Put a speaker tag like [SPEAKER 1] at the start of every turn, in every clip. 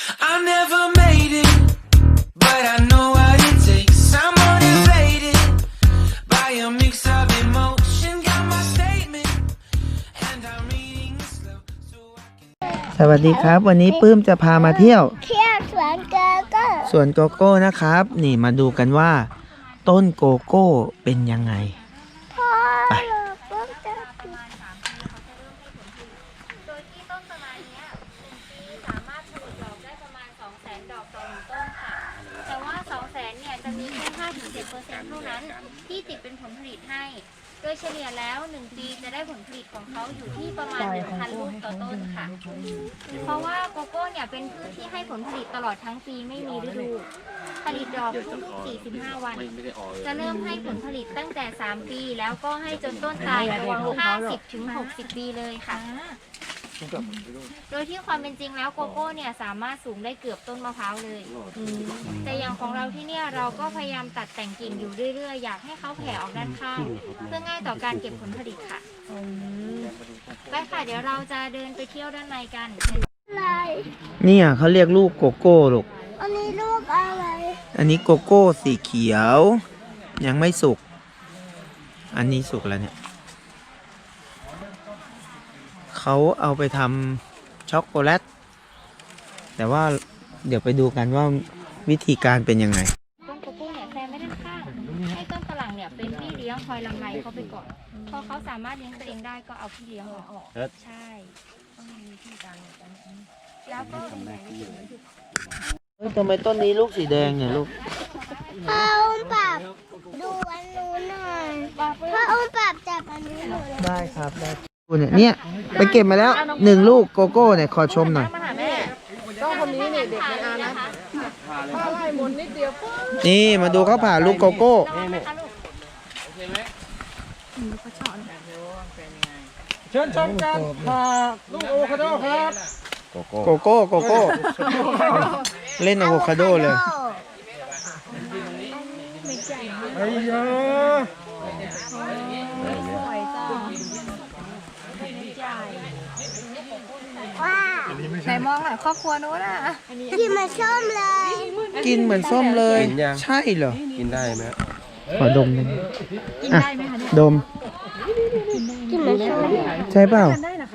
[SPEAKER 1] I never made it, but I know what it takes. I'm motivated by a mix of emotion. Got my statement, and I'm reading it slow so I can.
[SPEAKER 2] สวัสดีครับวันนี้ปื้มจะพามาเที่ยว
[SPEAKER 3] เที่ยวสวนโกโก้
[SPEAKER 2] สวนโกโก้นะครับ นี่มาดูกันว่า ต้นโกโก้เป็นยังไง
[SPEAKER 3] พ่อ
[SPEAKER 2] ไป
[SPEAKER 3] เราจะปิด
[SPEAKER 4] โดยที่ต้นประมาณเนี้ยปีสามารถผลิตดอกได้ประมาณ 200,000 ดอกต่อหนึ่งต้นค่ะ แต่ว่า 200,000 เนี่ยจะมีแค่ 5-7% เท่านั้นที่ติดเป็นผลผลิตให้ โดยเฉลี่ยแล้ว 1 ปีจะได้ผลผลิตของเขาอยู่ที่ประมาณ 1,000 ลูกต่อต้นค่ะ เพราะว่าโกโก้เนี่ยเป็นพืชที่ให้ผลผลิตตลอดทั้งปีไม่มีฤดู ผลิตดอกทุกๆ45 วัน จะเริ่มให้ผลผลิตตั้งแต่ 3 ปี แล้วก็ให้จนต้นตายรวม50-60 ปีเลยค่ะ โดยที่ความเป็นจริงแล้วโกโก้เนี่ยสามารถสูงได้เกือบต้นมะพร้าวเลย แต่อย่างของเราที่เนี่ยเราก็พยายามตัดแต่งกิ่งอยู่เรื่อยๆ อยากให้เขาแผ่ออกด้านข้างเพื่อง่ายต่อการเก็บผลผลิตค่ะไปค่ะเดี๋ยวเราจะเดินไปเที่ยวด้านในกัน
[SPEAKER 3] อะไร
[SPEAKER 2] เนี่ยเขาเรียกลูกโกโก้ลูก
[SPEAKER 3] อันนี้ลูกอะไร
[SPEAKER 2] อันนี้โกโก้สีเขียว ยังไม่สุก อันนี้สุกแล้วเนี่ยเขาเอาไปทำช็อกโกแลต แต่ว่าเดี๋ยวไปดูกันว่าวิธีการเป็นยังไง
[SPEAKER 4] ต้นโกโก้เนี่ยแซมไม่ด้านข้างให้ต้นฝรั่งเนี่ยเป็นพี่เลี้ยงคอยลำไรเขาไปก่อนพอเขาสามารถเลี้ยงตัวเองได้ก็เอาพี่เลี้ยงออกใช่ต้องมีวิธีการแล้วก็เป็นแบบนี้
[SPEAKER 2] เฮ้ยทำไมต้นนี้ลูกสีแดงเนี่ยลูก
[SPEAKER 3] พ่ออุ้มปรับดูอันนู้นหน่อยพ่ออุ้มปรับจับอันนี้หน่อย
[SPEAKER 2] ได้ครับได้เนี่ยไปเก็บมาแล้ว1 ลูกโกโก้เนี่ยขอชมหน่อย
[SPEAKER 5] ต้องคนนี้นี่เด็กในอานะถ้าไล่หมุนนิดเดียวปุ๊บ
[SPEAKER 2] นี่มาดูเขาผ่าลูกโกโก้
[SPEAKER 5] เชิญชมกันผ่าลูกโอคาโดครับ
[SPEAKER 2] โกโก้โกโก้ เล่นอะโวคาโดเลย
[SPEAKER 5] ไอ้ยา
[SPEAKER 3] ว้า
[SPEAKER 4] ไหนมองหน่อยครอบครัวนู้นอ่ะ
[SPEAKER 3] กินมาส้มเลย
[SPEAKER 2] กินเหมือนส้มเลย ใช่เหรอ
[SPEAKER 6] กินได้ไหม
[SPEAKER 2] ขอดมหน่อยกินได้ไหมคะดม
[SPEAKER 3] กินมาส้ม
[SPEAKER 2] ใช่เปล่า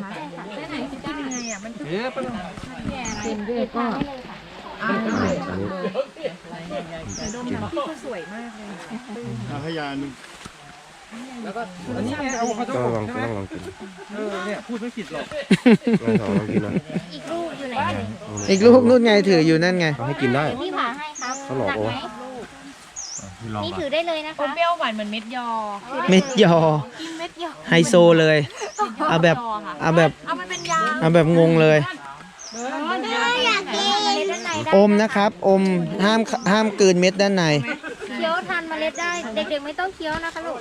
[SPEAKER 5] อันนี้ไงเอาคาโด
[SPEAKER 6] ก็ลอง
[SPEAKER 5] ใช่ไหม
[SPEAKER 6] ต้องลองกิน
[SPEAKER 5] เนี่ยพูดไม่ผิดหรอก
[SPEAKER 6] ลองกินนะ
[SPEAKER 4] อีกลูกอยู่ไหนเลย
[SPEAKER 2] อีกลูกนู่นไงถืออยู่นั่นไง
[SPEAKER 6] เขาให้กินได้
[SPEAKER 4] เดี๋ยวพี่ผ่าให้ครับ
[SPEAKER 6] เขาหลอก
[SPEAKER 4] หนัก
[SPEAKER 6] โอ้
[SPEAKER 4] ไหมนี่ถือได้เลยนะคะ
[SPEAKER 7] เปรี้ยวหวานเหมือนเม็ดยอ
[SPEAKER 2] เม็ดยอ
[SPEAKER 7] กินเม็ดยอ
[SPEAKER 2] ไฮโซเลย เอาแบบ เอาแบบ
[SPEAKER 7] เอามันเป็นยา
[SPEAKER 2] เอาแบบงงเลย
[SPEAKER 3] อยากกิน
[SPEAKER 4] เมล็ดด้านในได้
[SPEAKER 2] อมนะครับ อมห้ามกลืนเม็ดด้านใน
[SPEAKER 4] เคี้ยวทานเมล็ดได้ เด็กๆไม่ต้องเคี้ยวนะคะลูก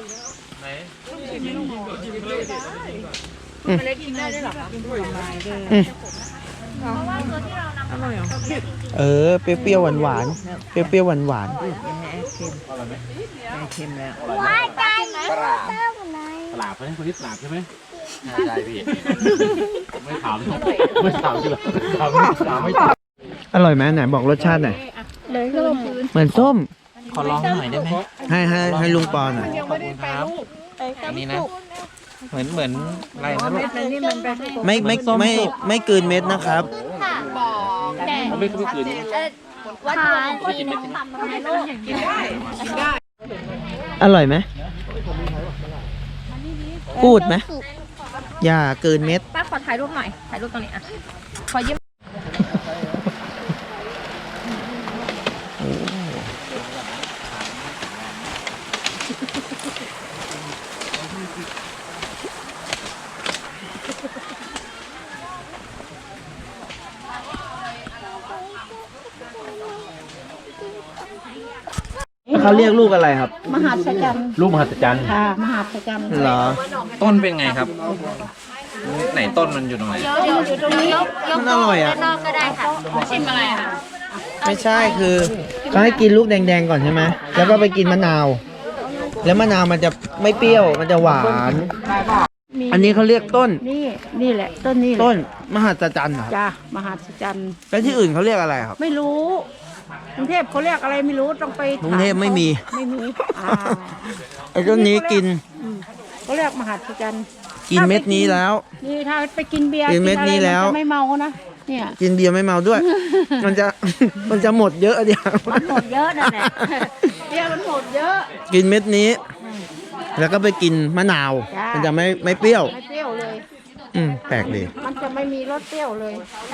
[SPEAKER 7] เมล็ดกินได้ด้วยเหรอคะ
[SPEAKER 4] เพราะว่าตัวที่เรานำมาเราเคี้ยวจริง
[SPEAKER 2] เออ เปรี้ยวๆหวานๆ เปรี้ยวๆหวาน
[SPEAKER 3] ว้ายใจปลาไหน
[SPEAKER 6] ปลาบไหมคนที่ปลาบใช่ไหมใช่พี่ ไม่ถามไม่ถามจริงหรอถามไม่ตอบ
[SPEAKER 2] ๆ อร่อยไหมไหนบอกรสชาติหน่อยเหมือนส้ม
[SPEAKER 5] ขอลองหน่อยได้ไหม
[SPEAKER 2] ให้ลุงปอหน่อย
[SPEAKER 5] อันนี้นะ เหมือนอะไรนะลูก
[SPEAKER 2] ไม่กลืนเม็ดนะครับ
[SPEAKER 4] ๆค่ะแต่
[SPEAKER 6] ไม่คืน
[SPEAKER 4] วัตถุของคนน้องทำมาให้ลูก
[SPEAKER 2] อร่อยไหมพูดไหมอย่ากลืนเม็ด
[SPEAKER 7] ป้าขอถ่ายรูปหน่อย ถ่ายรูปตรงนี้อ่ะ ขอยืม
[SPEAKER 2] เขาเรียกลูกอะไรครับ
[SPEAKER 6] ลูกมหัศจรรย์
[SPEAKER 2] เหรอ
[SPEAKER 5] ต้นเป็นไงครับ ไหนต้นมันอยู่ตรงไหน
[SPEAKER 4] เดี๋ยวอยู่ตรงนี้ยก
[SPEAKER 2] มันอร่อยอะ
[SPEAKER 4] ด้านนอกก็ได้ค่ะ
[SPEAKER 7] ชิมอะไรอ่ะ
[SPEAKER 2] ไม่ใช่คือเขาให้กินลูกแดงๆก่อนใช่ไหมแล้วก็ไปกินมะนาว แล้วมะนาวมันจะไม่เปรี้ยวมันจะหวาน
[SPEAKER 5] มี
[SPEAKER 2] อันนี้เขาเรียกต้น
[SPEAKER 5] นี่แหละต้นนี่แหละ
[SPEAKER 2] ต้นมหัศจรรย์เหรอครับ
[SPEAKER 5] จ้ะมหัศจรรย์
[SPEAKER 2] แล้วที่อื่นเขาเรียกอะไรครับ
[SPEAKER 5] ไม่รู้กรุงเทพเขาเรียกอะไรไม่รู้ต้องไป
[SPEAKER 2] กรุงเทพไม่มี
[SPEAKER 5] ไม่มีอ่า
[SPEAKER 2] ไอ้ต้นนี้กิน
[SPEAKER 5] เขาเรียกมหัศจรรย์
[SPEAKER 2] กินเม็ดนี้แล้ว
[SPEAKER 5] นี่ถ้าไปกินเบียร์
[SPEAKER 2] กินเม็ด
[SPEAKER 5] อะไร
[SPEAKER 2] นี้แล้ว
[SPEAKER 5] มัจะไม่เมานะเนี่ย
[SPEAKER 2] กินเบียร์ไม่เมาด้วย มันจะ มันจะหมดเยอะเดียว
[SPEAKER 5] มันหมดเยอะนั่นแหละเบียร์มันหมดเยอะ
[SPEAKER 2] กินเม็ดนี้ แล้วก็ไปกินมะนาว
[SPEAKER 5] จ้ามั
[SPEAKER 2] มันจะไม่เปรี้ยว
[SPEAKER 5] ไม่เปรี้ยวเลย
[SPEAKER 2] แปลกดี
[SPEAKER 5] มันจะไม่มีรสเปรี้ยวเลย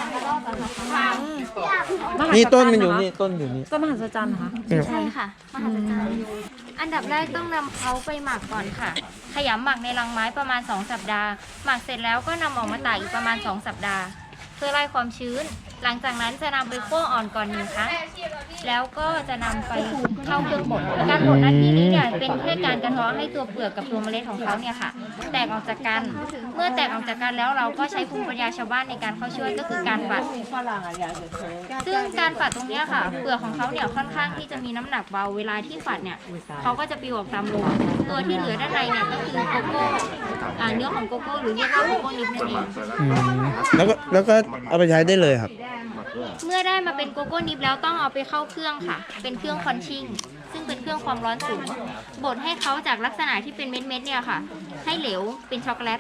[SPEAKER 2] นี่ต้นมันอยู่นี่ต้นอยู่นี่
[SPEAKER 7] ก็มหัศจรรย์เหรอคะ
[SPEAKER 4] ใช่ค่ะมหัศจรรย์อันดับแรกต้องนำเขาไปหมักก่อนค่ะ ขยำหมักในรังไม้ประมาณ 2 สัปดาห์ หมักเสร็จแล้วก็นำออกมาตากอีกประมาณ 2 สัปดาห์ เพื่อไล่ความชื้น หลังจากนั้นจะนำไปคั่วอ่อนก่อน1 ครั้ง แล้วก็จะนำไปเข้าเครื่องบด การบดหน้าที่นี้เนี่ยเป็นแค่การกระเทาะให้ตัวเปลือกกับตัวเมล็ดของเขาเนี่ยค่ะ แตกออกจากกัน เมื่อแตกออกจากกันแล้วเราก็ใช้ภูมิปัญญาชาวบ้านในการเข้าช่วยก็คือการฝัด ซึ่งการฝัดตรงเนี้ยค่ะ เปลือกของเขาเนี่ยค่อนข้างที่จะมีน้ำหนักเบา เวลาที่ฝัดเนี่ยเขาก็จะปลิวออกตามลมตัวที่เหลือด้านในเนี่ยก็คือโกโก้เนื้อของโกโก้หรือเรียกว่าโกโก้นิฟนั่นเอง
[SPEAKER 2] แล้วก็เอาไปใช้ได้เลยครับ
[SPEAKER 4] เมื่อได้มาเป็นโกโก้นิฟแล้วต้องเอาไปเข้าเครื่องค่ะ เป็นเครื่องคอนชิ่ง ซึ่งเป็นเครื่องความร้อนสูง บดให้เขาจากลักษณะที่เป็นเม็ดๆเนี่ยค่ะ ให้เหลวเป็นช็อกโกแลต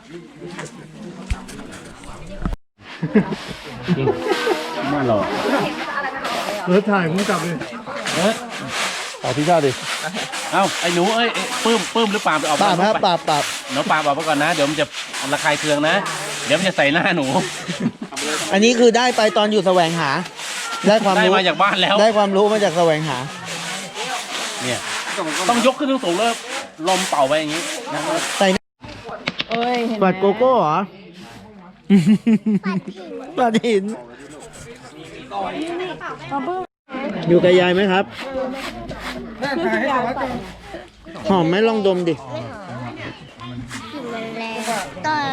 [SPEAKER 6] น่าหล่อ
[SPEAKER 2] ถ่ายผมกลับเลย
[SPEAKER 6] ต่อที่ชอบดิ เอ้าไอ้หนูเอ้ยปื้มหรือปาล์มไปออก
[SPEAKER 2] ปราบครับปราบ
[SPEAKER 6] หนูปาล์มออกมาก่อนนะ เดี๋ยวมันจะระคายเคืองนะ เดี๋ยวมันจะใส่หน้าหนู
[SPEAKER 2] อันนี้คือได้ไปตอนอยู่แสวงหา ได้ความ
[SPEAKER 6] ได้
[SPEAKER 2] รู้
[SPEAKER 6] มาจากบ้านแล้ว
[SPEAKER 2] ได้ความรู้มาจากแสวงหา
[SPEAKER 6] เนี่ย ต้องยกขึ้นสูงๆแล้วลมเป่าไปอย่างนี้นะครับ
[SPEAKER 2] ใส่
[SPEAKER 5] เอ้ยเห็นไหม
[SPEAKER 2] ปัดโกโก้เหรอ ปัดหิน อยู่กับยายไหมครับ หอมไหมลองดมดิ
[SPEAKER 3] กลิ่นมันแรงตอน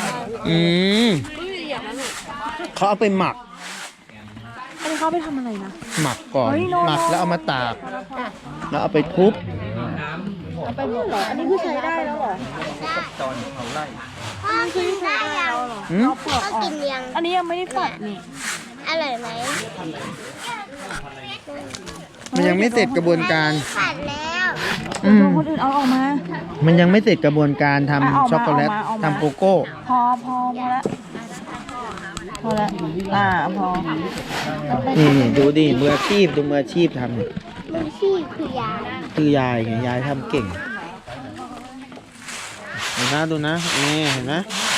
[SPEAKER 2] เขาเอาไปหมัก
[SPEAKER 7] อันนี้เขาไปทำอะไรนะ
[SPEAKER 2] หมักก่อน หมักแล้วเอามาตาก แล้วเอาไปทุบ
[SPEAKER 5] อันนี้คือใช้ได้แล้วเหรอ
[SPEAKER 3] พ่อกินได้ยัง
[SPEAKER 2] อืม
[SPEAKER 3] พ่อกินยัง
[SPEAKER 7] อันนี้ยังไม่ได้ฝัดนี่
[SPEAKER 3] อร่อยไหม
[SPEAKER 2] มันยังไม่เสร็จกระบวนการ
[SPEAKER 3] ผัดแล้ว
[SPEAKER 7] คนอื่นเอาออกมา
[SPEAKER 2] มันยังไม่เสร็จกระบวนการทำ
[SPEAKER 7] เอามา
[SPEAKER 2] ช็อกโกแลต
[SPEAKER 7] เอามา
[SPEAKER 2] ทำโกโก้
[SPEAKER 7] พอแล้วพอแล้วพอ
[SPEAKER 2] นี่ดูดิมืออาชีพดูมืออาชีพทำเนี่ย
[SPEAKER 3] มือชีพคือยา
[SPEAKER 2] คือยายไงยายทำเก่ง เห็นนะดูนะนี่เห็นไหม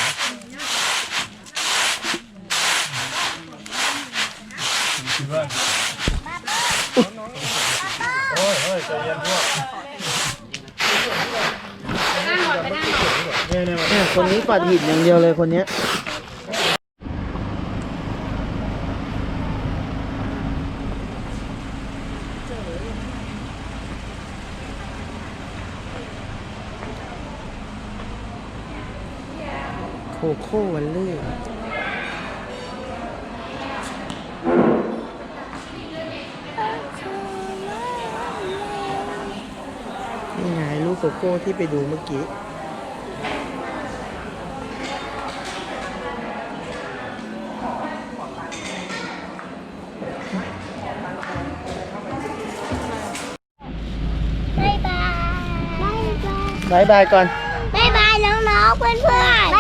[SPEAKER 2] เนี่ยคนนี้ปัดหินอย่างเดียวเลยคนเนี้ยโคโค่วันเล่นี่ไงลูกโกโก้ที่ไปดูเมื่อกี้
[SPEAKER 3] บ๊ายบายบ๊ายบาย
[SPEAKER 2] บายบายก่อน
[SPEAKER 3] บ๊ายบายน้องๆเพื่อน